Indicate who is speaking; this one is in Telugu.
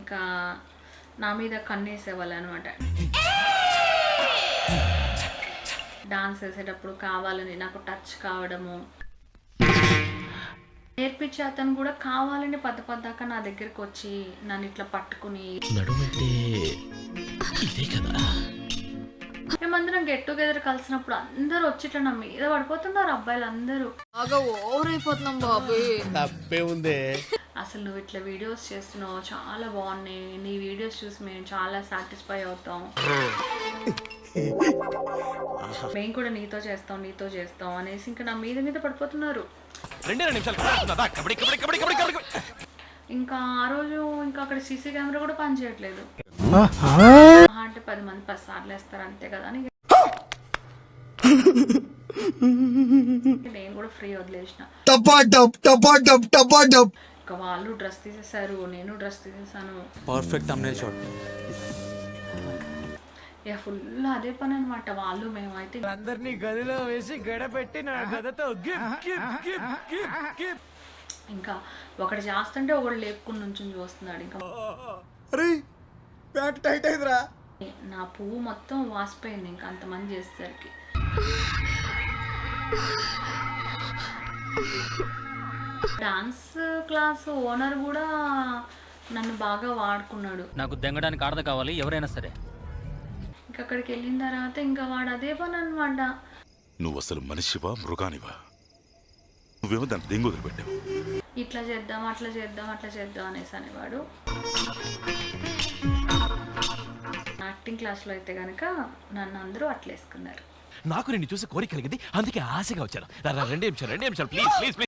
Speaker 1: ఇంకా నా మీద కన్నేసేవాళ్ళు అనమాట. డాన్స్ వేసేటప్పుడు కావాలని నాకు టచ్ కావడము, నేర్పించే అతను కూడా కావాలని పద్దాక నా దగ్గరికి వచ్చి నన్ను ఇట్లా పట్టుకుని, మేమందరం గెట్ టుగెదర్ కలిసినప్పుడు అందరూ వచ్చి ఇట్లా నా మీద పడిపోతున్నారు అబ్బాయిలు అందరూ.
Speaker 2: ఓవర్ అయిపోతున్నాం బాబు.
Speaker 3: తప్పే ఉంది.
Speaker 1: అసలు నువ్వు ఇట్లా వీడియోస్ చేస్తున్నావు, చాలా బాగున్నాయి, నీ వీడియోస్ చూసి మేము చాలా సాటిస్ఫై అవుతాం, మేము కూడా నీతో చేస్తాం అనేసి ఇంకా నా మీద పడిపోతున్నారు. ఇంకా ఆ రోజు ఇంకా అక్కడ సీసీ కెమెరా కూడా పనిచేయట్లేదు. అంటే 10 మంది 10 సార్లు వేస్తారు అంతే కదా అని నేను కూడా ఫ్రీ వదిలేసిన. ఇంకా వాళ్ళు డ్రెస్ తీసేసారు, నేను డ్రెస్ తీసేసాను.
Speaker 4: Perfect thumbnail shot.
Speaker 1: ఇక ఫుల్ అదే పని అనమాట. వాళ్ళు మేమైతే
Speaker 3: అందరినీ గదిలో వేసి గడపెట్టి నా గదతో
Speaker 1: ఇంకా ఒకటి చేస్తుంటే ఒకడు లేపుకుని నుంచి చూస్తున్నాడు. ఇంకా
Speaker 3: టైట్ అయిందిరా.
Speaker 1: నా పువ్వు మొత్తం వాసిపోయింది ఇంకా అంతమంది చేసేసరికి. డాన్స్ క్లాస్ ఓనర్ కూడా నన్ను బాగా వాడుకున్నాడు.
Speaker 5: నాకు దెంగడానికి ఆడద కావాలి ఎవరైనా సరే.
Speaker 1: ఇంకా అక్కడికి వెళ్ళిన తర్వాత ఇంకా వాడు అదే పని అనమాట.
Speaker 6: నువ్వు అసలు మనిషివా మృగానివా? నువ్వేమో దాన్ని దెంగు వదిలిపెట్టావు.
Speaker 1: ఇట్లా చేద్దాం అట్లా చేద్దాం అనేసి అనేవాడు. యాక్టింగ్ క్లాస్లో అయితే కనుక నన్ను అందరూ అట్లేసుకున్నారు.
Speaker 3: నాకు నిన్ను చూసి కోరిక కలిగింది, అందుకే ఆశగా వచ్చాను. 2 నిమిషాలు ప్లీజ్.